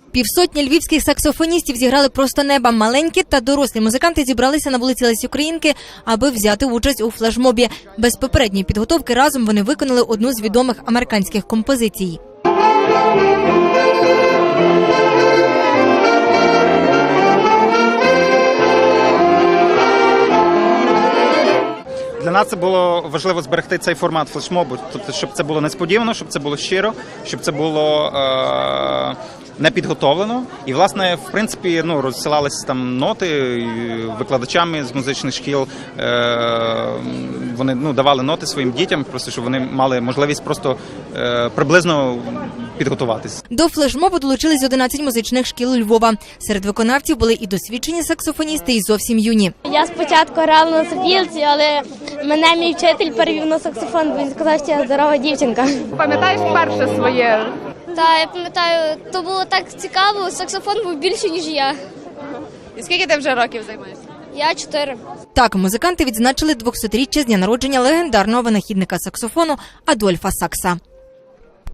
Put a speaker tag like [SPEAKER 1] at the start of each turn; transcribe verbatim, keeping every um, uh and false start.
[SPEAKER 1] Півсотні львівських саксофоністів зіграли просто неба. Маленькі та дорослі музиканти зібралися на вулиці Лесі Українки, аби взяти участь у флешмобі. Без попередньої підготовки разом вони виконали одну з відомих американських композицій.
[SPEAKER 2] Для нас це було важливо зберегти цей формат флешмобу, тобто, щоб це було несподівано, щоб це було щиро, щоб це було е- не підготовлено. І, власне, в принципі, ну, розсилалися там ноти викладачами з музичних шкіл. Е- вони ну, давали ноти своїм дітям, просто щоб вони мали можливість просто е- приблизно підготуватись.
[SPEAKER 1] До флешмобу долучились одинадцять музичних шкіл Львова. Серед виконавців були і досвідчені саксофоністи, і зовсім юні.
[SPEAKER 3] Я спочатку грала на сопілці, але мене мій вчитель перевів на саксофон, бо він сказав, що я здорова дівчинка.
[SPEAKER 4] Пам'ятаєш перше своє?
[SPEAKER 3] Та, я пам'ятаю, то було так цікаво, саксофон був більше, ніж я.
[SPEAKER 4] І скільки ти вже років займаєшся?
[SPEAKER 3] Я чотири.
[SPEAKER 1] Так, музиканти відзначили двохсотріччя з дня народження легендарного винахідника саксофону Адольфа Сакса.